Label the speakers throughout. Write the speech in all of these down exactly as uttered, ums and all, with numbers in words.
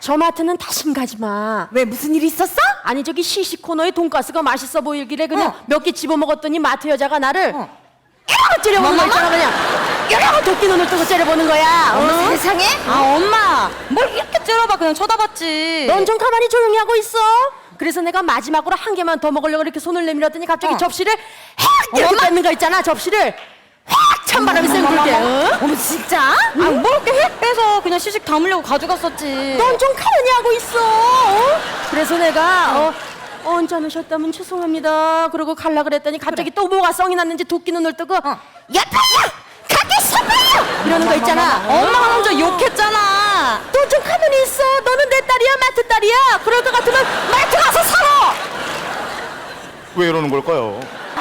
Speaker 1: 저 마트는 다신 가지 마.
Speaker 2: 왜 무슨 일 있었어?
Speaker 1: 아니 저기 시식 코너에 돈가스가 맛있어 보이길래 그냥
Speaker 2: 어.
Speaker 1: 몇 개 집어 먹었더니 마트 여자가 나를
Speaker 2: 어.
Speaker 1: 이러고 째려보는 거 있잖아. 그냥 이러고 도끼 눈을 뜨고 째려보는 거야.
Speaker 2: 어머
Speaker 1: 어?
Speaker 2: 세상에?
Speaker 3: 아 엄마 뭘 이렇게 째려봐. 그냥 쳐다봤지.
Speaker 1: 넌 좀 가만히 조용히 하고 있어. 그래서 내가 마지막으로 한 개만 더 먹으려고 이렇게 손을 내밀었더니 갑자기
Speaker 2: 어.
Speaker 1: 접시를 확 이렇게 뺏는 거 있잖아. 접시를 확 찬바람이 쌩 불게. 어?
Speaker 2: 어머 진짜?
Speaker 3: 아, 뭘 이렇게 획 빼서 그냥 시식 담으려고 가져갔었지.
Speaker 1: 넌 좀 가만히 하고 있어. 어? 그래서 내가 어, 어, 언짢 으셨다면 죄송합니다. 그러고 갈라 그랬더니 갑자기 또 뭐가 썽이 났는지 도끼 눈을 뜨고
Speaker 2: 어.
Speaker 1: 야파야! 가게 서봐요! 이러는 거 있잖아.
Speaker 3: 엄마가 먼저 욕했잖아.
Speaker 1: 너 좀 가만히 있어. 너는 내 딸이야 마트 딸이야. 그럴 것 같으면 마트 가서 살아.
Speaker 4: 왜 이러는 걸까요?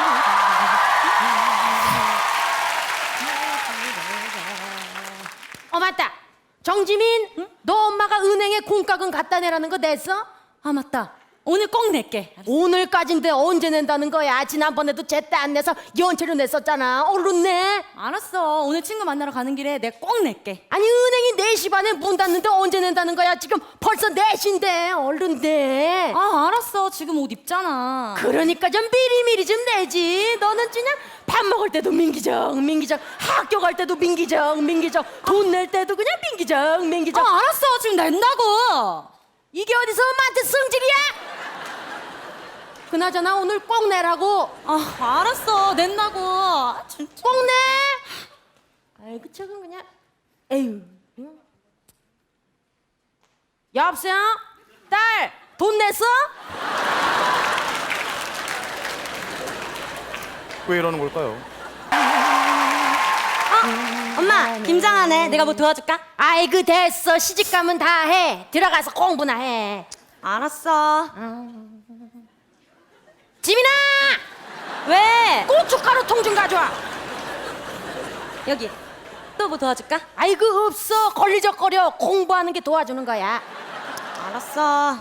Speaker 1: 어 맞다. 정지민, 응? 너 엄마가 은행에 공과금 갖다 내라는 거 냈어?
Speaker 3: 아 맞다. 오늘 꼭 낼게.
Speaker 1: 오늘까지인데 언제 낸다는 거야? 지난번에도 제때 안 내서 연체로 냈었잖아. 얼른 내.
Speaker 3: 알았어. 오늘 친구 만나러 가는 길에 내가 꼭 낼게.
Speaker 1: 아니 은행이 네 시 반에 문 닫는데 언제 낸다는 거야? 지금 벌써 네 시인데 얼른 내.
Speaker 3: 아 알았어. 지금 옷 입잖아.
Speaker 1: 그러니까 좀 미리미리 좀 내지. 너는 그냥 밥 먹을 때도 민기적 민기적, 학교 갈 때도 민기적 민기적, 돈 낼 때도 그냥 민기적 민기적.
Speaker 3: 아 알았어. 지금 낸다고.
Speaker 1: 이게 어디서 마트 성질이야? 그나저나 오늘 꼭 내라고.
Speaker 3: 아 알았어. 낸다고. 아, 진짜.
Speaker 1: 꼭 내. 아이고 저건 그냥 에휴. 응? 여보세요? 딸 돈 냈어?
Speaker 4: 왜 이러는 걸까요?
Speaker 3: 엄마 김장하네. 내가 뭐 도와줄까?
Speaker 1: 아이고 됐어. 시집가면 다 해. 들어가서 공부나 해.
Speaker 3: 알았어.
Speaker 1: 지민아
Speaker 3: 왜?
Speaker 1: 고춧가루 통 좀 가져와.
Speaker 3: 여기 또 뭐 도와줄까?
Speaker 1: 아이고 없어. 걸리적거려. 공부하는 게 도와주는 거야.
Speaker 3: 알았어.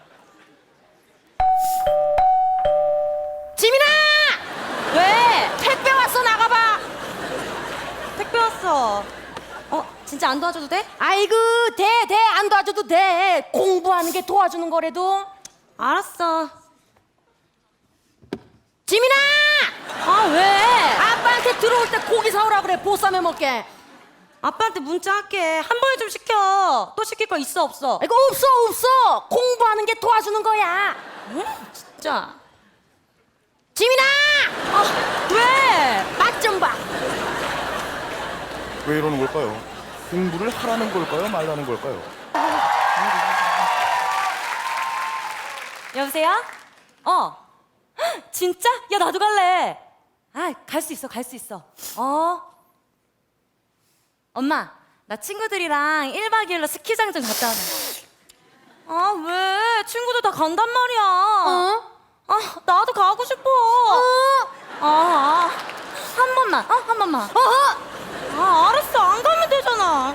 Speaker 1: 지민아
Speaker 3: 왜?
Speaker 1: 택배 왔어. 나가봐.
Speaker 3: 택배 왔어. 어 진짜 안 도와줘도 돼?
Speaker 1: 아이고 돼 돼 안 도와줘도 돼. 공부하는 게 도와주는 거래도.
Speaker 3: 알았어.
Speaker 1: 지민아
Speaker 3: 아 왜?
Speaker 1: 아빠한테 들어올 때 고기 사오라 그래. 보쌈해 먹게.
Speaker 3: 아빠한테 문자 할게. 한 번에 좀 시켜. 또 시킬 거 있어 없어?
Speaker 1: 아이고 없어 없어. 공부하는 게 도와주는 거야.
Speaker 3: 응? 진짜.
Speaker 1: 지민아
Speaker 3: 아 왜?
Speaker 1: 맛 좀 봐.
Speaker 4: 왜 이러는 걸까요? 공부를 하라는 걸까요? 말라는 걸까요?
Speaker 3: 여보세요? 어. 헉, 진짜? 야 나도 갈래. 아 갈 수 있어 갈 수 있어. 어. 엄마 나 친구들이랑 일 박 이 일로 스키장 좀 갔다 오자. 아 왜? 친구들 다 간단 말이야.
Speaker 1: 어?
Speaker 3: 아 나도 가고 싶어.
Speaker 1: 어?
Speaker 3: 아, 아. 한 번만. 어? 한 번만.
Speaker 1: 어?
Speaker 3: 아 알았어 안 가면 되잖아.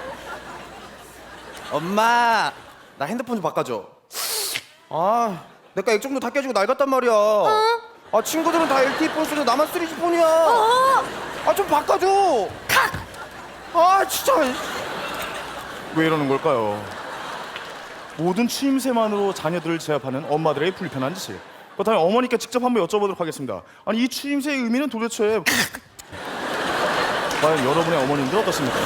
Speaker 5: 엄마, 나 핸드폰 좀 바꿔줘. 아, 내가 액정도 다 깨지고 낡았단 말이야. 아, 친구들은 다 엘티이 폰 쓰는데 나만 쓰리지 폰이야.
Speaker 1: 어?
Speaker 5: 아, 좀 바꿔줘. 아, 진짜.
Speaker 4: 왜 이러는 걸까요? 모든 추임새만으로 자녀들을 제압하는 엄마들의 불편한 짓을. 그렇다면 어머니께 직접 한번 여쭤보도록 하겠습니다. 아니 이 추임새의 의미는 도대체 과연 여러분의 어머님들 어떻습니까?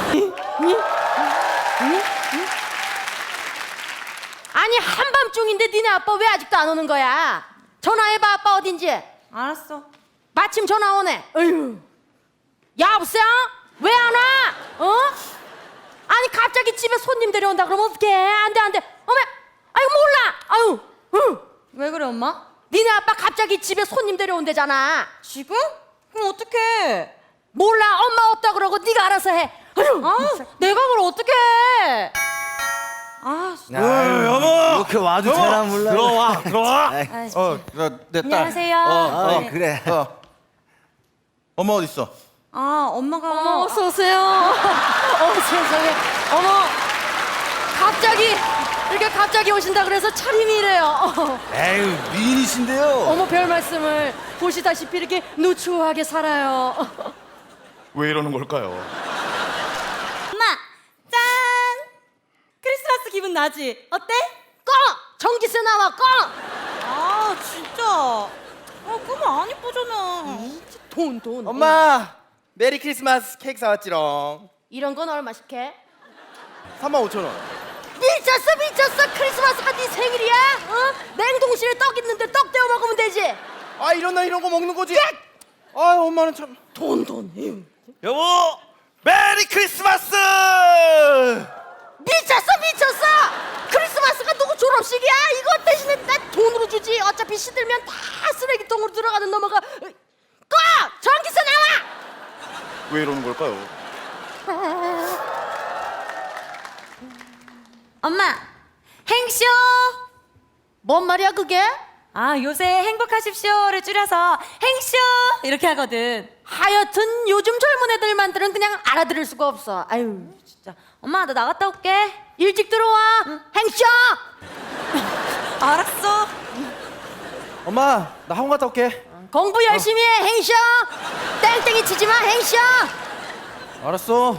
Speaker 1: 아니 한밤중인데 니네 아빠 왜 아직도 안 오는 거야? 전화해봐. 아빠 어딘지.
Speaker 3: 알았어.
Speaker 1: 마침 전화 오네. 어휴. 여보세요? 왜 안 와? 어? 아니 갑자기 집에 손님 데려온다 그러면 어떡해? 안돼 안돼. 어머. 아이고 몰라. 아유. 응.
Speaker 3: 왜 그래 엄마?
Speaker 1: 니네 아빠 갑자기 집에 손님 데려온대잖아.
Speaker 3: 지금? 그럼 어떡해?
Speaker 1: 몰라. 엄마 없다 그러고 네가 알아서 해. 아유.
Speaker 3: 아 내가 그걸 어떡해? 아
Speaker 5: 아유, 여보. 이렇게 와도 되나 몰라.
Speaker 4: 들어와 들어와.
Speaker 3: 아이,
Speaker 5: 어, 내 딸.
Speaker 3: 안녕하세요.
Speaker 5: 어, 어,
Speaker 3: 네.
Speaker 5: 그래. 어. 엄마 어디 있어?
Speaker 3: 아 엄마가
Speaker 1: 어머 어서 오세요. 어머 세상에. 어머 갑자기 이렇게 갑자기 오신다 그래서 차림이래요. 어.
Speaker 5: 에휴, 미인이신데요.
Speaker 1: 어머 별 말씀을. 보시다시피 이렇게 누추하게 살아요.
Speaker 4: 왜 이러는 걸까요?
Speaker 3: 엄마 짠 크리스마스 기분 나지? 어때?
Speaker 1: 꺼! 전기세 나와 꺼!
Speaker 3: 아 진짜. 아 그러면 안 이쁘잖아.
Speaker 1: 돈 돈.
Speaker 5: 엄마 메리 크리스마스 케이크 사왔지롱.
Speaker 1: 이런 건 얼마씩 해?
Speaker 5: 삼만 오천 원.
Speaker 1: 미쳤어 미쳤어. 크리스마스가 네 생일이야? 어? 냉동실에 떡 있는데 떡 데워 먹으면 되지.
Speaker 5: 아 이런 날 이런 거 먹는 거지. 아 엄마는 참.
Speaker 1: 돈 돈. 에휴.
Speaker 4: 여보, 메리 크리스마스!
Speaker 1: 미쳤어 미쳤어. 크리스마스가 누구 졸업식이야? 이거 대신에 나 돈으로 주지. 어차피 시들면 다 쓰레기통으로 들어가는 놈아가. 꺼! 전기세 나와!
Speaker 4: 왜 이러는 걸까요?
Speaker 3: 엄마 행쇼.
Speaker 1: 뭔 말이야 그게?
Speaker 3: 아 요새 행복하십시오를 줄여서 행쇼 이렇게 하거든.
Speaker 1: 하여튼 요즘 젊은 애들만들은 그냥 알아들을 수가 없어. 아유
Speaker 3: 진짜. 엄마 나 나갔다 올게.
Speaker 1: 일찍 들어와. 행쇼.
Speaker 3: 알았어.
Speaker 5: 엄마 나 학원 갔다 올게.
Speaker 1: 공부 열심히 해. 행쇼. 땡땡이 치지 마. 행쇼.
Speaker 5: 알았어.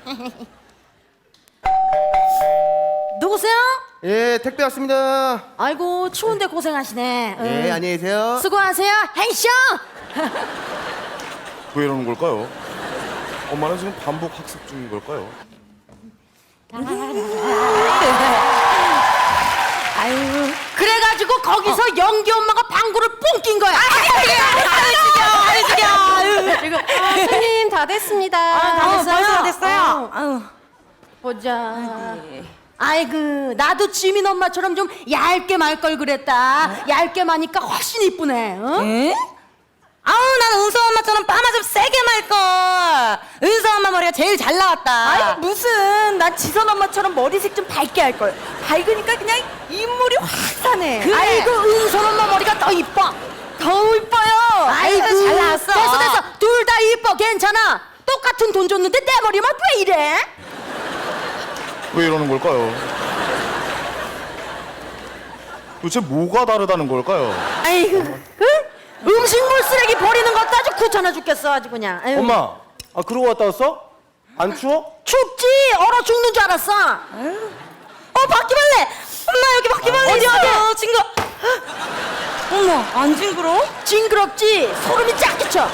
Speaker 1: 누구세요?
Speaker 5: 예 택배 왔습니다.
Speaker 1: 아이고 추운데 고생하시네.
Speaker 5: 예
Speaker 1: 응.
Speaker 5: 안녕히 계세요.
Speaker 1: 수고하세요. 행쇼.
Speaker 4: 왜 이러는 걸까요? 엄마는 지금 반복 학습 중인 걸까요?
Speaker 1: 아유 그래가지고 거기서 연기 엄마가 방구를 뽕 낀 거야.
Speaker 3: 아유 죽여. 아유
Speaker 1: 지금 아, 손님 다 됐습니다.
Speaker 3: 다 됐어요? 벌써 다 됐어요?
Speaker 1: 아유,
Speaker 3: 아유.
Speaker 1: 보자. 아이고 나도 지민 엄마처럼 좀 얇게 말 걸 그랬다. 얇게 마니까 훨씬 이쁘네. 어?
Speaker 3: 에? 아우 나는 은서 엄마처럼 빠마 좀 세게 말걸. 은서 엄마 머리가 제일 잘 나왔다.
Speaker 2: 아이 무슨 난 지선 엄마처럼 머리색 좀 밝게 할 걸. 밝으니까 그냥 인물이 확 사네.
Speaker 3: 그래.
Speaker 1: 아이고 은솔 엄마 머리가 더 이뻐.
Speaker 2: 더 이뻐요.
Speaker 1: 아이고
Speaker 3: 잘 나왔어.
Speaker 1: 됐어 됐어. 둘 다 이뻐 괜찮아. 똑같은 돈 줬는데 내 머리만 왜 이래?
Speaker 4: 왜 이러는 걸까요? 도대체 뭐가 다르다는 걸까요?
Speaker 1: 아이고 응? 음식물 쓰레기 버리는 것도 아주 귀찮아 죽겠어 아주 그냥. 아유.
Speaker 5: 엄마 아 그러고 갔다 왔어? 안 추워?
Speaker 1: 춥지 얼어 죽는 줄 알았어.
Speaker 3: 어 바퀴벌레. 엄마 여기 바퀴벌레
Speaker 1: 어디,
Speaker 3: 있어. 징그러. 어머 안 징그러?
Speaker 1: 징그럽지 소름이 쫙 끼쳐.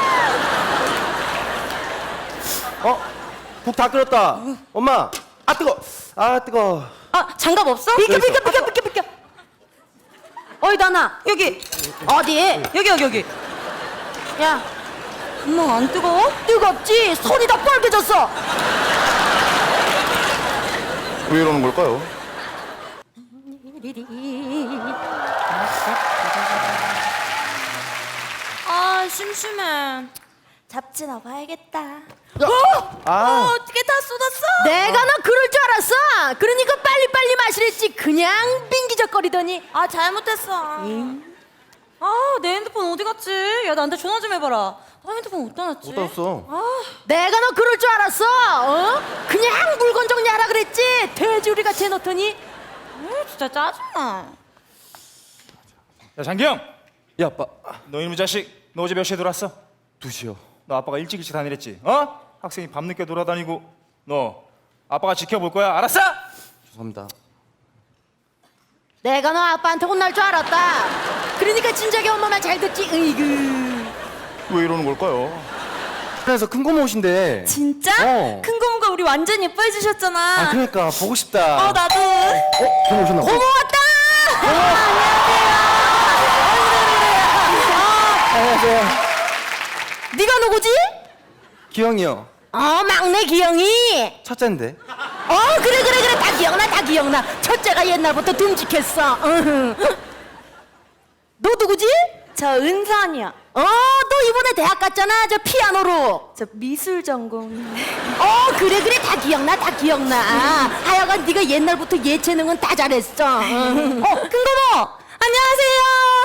Speaker 5: 어? 국 다 끓였다. 엄마 아 뜨거. 아 뜨거.
Speaker 3: 아 장갑 없어?
Speaker 1: 비켜
Speaker 5: 여기
Speaker 1: 비켜
Speaker 5: 있어.
Speaker 1: 비켜 비켜 비켜. 어이 나나
Speaker 3: 여기
Speaker 1: 어디?
Speaker 3: 여기 여기 여기.
Speaker 1: 야
Speaker 3: 엄마 안 뜨거워?
Speaker 1: 뜨겁지 손이 다 빨개졌어.
Speaker 4: 왜 이러는 걸까요?
Speaker 3: 아 심심해. 잡지 넣어봐야겠다.
Speaker 5: 아
Speaker 3: 어떻게 다 쏟았어?
Speaker 1: 내가 너 그럴 줄 알았어. 그러니까 빨리빨리 마시랬지. 그냥 빙기적거리더니.
Speaker 3: 아 잘못했어. 아 내 핸드폰 어디 갔지? 야 나한테 전화 좀 해봐라. 아 핸드폰 어디다 놨지?
Speaker 5: 못 땄어.
Speaker 1: 내가 너 그럴 줄 알았어. 어? 그냥 물건 정리하라 그랬지. 돼지우리 같이 해놓더니.
Speaker 3: 아 진짜 짜증나.
Speaker 6: 야 장기영,
Speaker 5: 야 아빠
Speaker 6: 너 이놈의 자식, 너 어제 몇 시에 들어왔어?
Speaker 5: 두 시요.
Speaker 6: 너 아빠가 일찍 일찍 다니랬지? 어? 학생이 밤늦게 돌아다니고 너 아빠가 지켜볼 거야, 알았어?
Speaker 5: 죄송합니다.
Speaker 1: 내가 너 아빠한테 혼날 줄 알았다. 그러니까 진작에 엄마 말 잘 듣지. 으이그.
Speaker 4: 왜 이러는 걸까요?
Speaker 5: 그래서 큰 고모 오신대.
Speaker 3: 진짜?
Speaker 5: 어.
Speaker 3: 큰 고모가 우리 완전 예뻐해 주셨잖아.
Speaker 5: 아 그러니까 보고 싶다.
Speaker 3: 어 나도.
Speaker 5: 어? 고모 오셨나 봐.
Speaker 1: 고모 왔다.
Speaker 5: 안녕하세요.
Speaker 1: 네가 누구지?
Speaker 5: 기영이요.
Speaker 1: 어 막내 기영이.
Speaker 5: 첫째인데.
Speaker 1: 어 그래 그래 그래 다 기억나 다 기억나. 첫째가 옛날부터 듬직했어. 으흠. 너 누구지?
Speaker 2: 저 은선이요.
Speaker 1: 어 너 이번에 대학 갔잖아 저 피아노로.
Speaker 2: 저 미술 전공.
Speaker 1: 어 그래 그래 다 기억나 다 기억나. 하여간 네가 옛날부터 예체능은 다 잘했어. 어 큰거모 안녕하세요.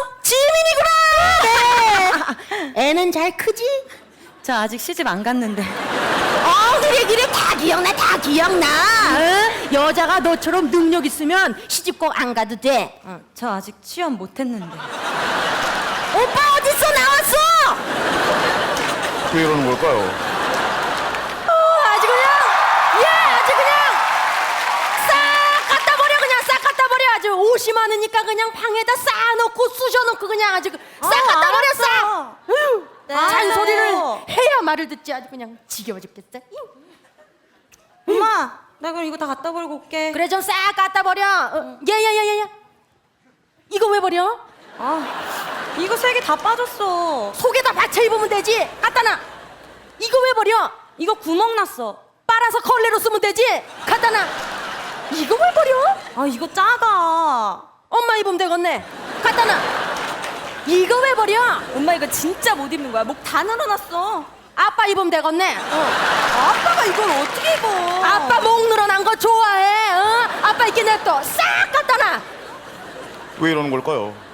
Speaker 1: 지민이구나. 네. 애는 잘 크지?
Speaker 3: 저 아직 시집 안 갔는데.
Speaker 1: 어 그래 그래 다 기억나 다 기억나. 어? 여자가 너처럼 능력 있으면 시집 꼭 안 가도 돼.
Speaker 3: 어, 저 아직 취업 못했는데.
Speaker 1: 오빠 어딨어 나왔어?
Speaker 4: 왜 이러는 걸까요?
Speaker 1: 어, 아주 그냥 예 아주 그냥 싹 갖다 버려. 옷이 많으니까 그냥 방에다 쌓아놓고 쑤셔놓고 그냥 아주 싹
Speaker 3: 아,
Speaker 1: 갖다 버려
Speaker 3: 알았어.
Speaker 1: 싹. 으유,
Speaker 3: 네.
Speaker 1: 잔소리를 해야 말을 듣지 아주 그냥 지겨워 죽겠어.
Speaker 3: 엄마, 나 그럼 이거 다 갖다 버리고 올게.
Speaker 1: 그래 좀 싹 갖다 버려. 어, 야야야야야. 이거 왜 버려?
Speaker 3: 아, 이거 세 개 다 빠졌어.
Speaker 1: 속에다 받쳐 입으면 되지. 갖다 놔. 이거 왜 버려?
Speaker 3: 이거 구멍 났어.
Speaker 1: 빨아서 걸레로 쓰면 되지. 갖다 놔. 이거 왜 버려?
Speaker 3: 아, 이거 작아.
Speaker 1: 엄마 입으면 되겠네. 갖다 놔. 이거 왜 버려?
Speaker 2: 엄마 이거 진짜 못 입는 거야. 목 다 늘어났어.
Speaker 1: 아빠 입으면 되겠네. 어.
Speaker 2: 아빠가 이걸 어떻게 입어?
Speaker 1: 아빠 목 늘어난 거 좋아해. 어? 아빠 입게 냅둬. 싹 갖다 놔.
Speaker 4: 왜 이러는 걸까요?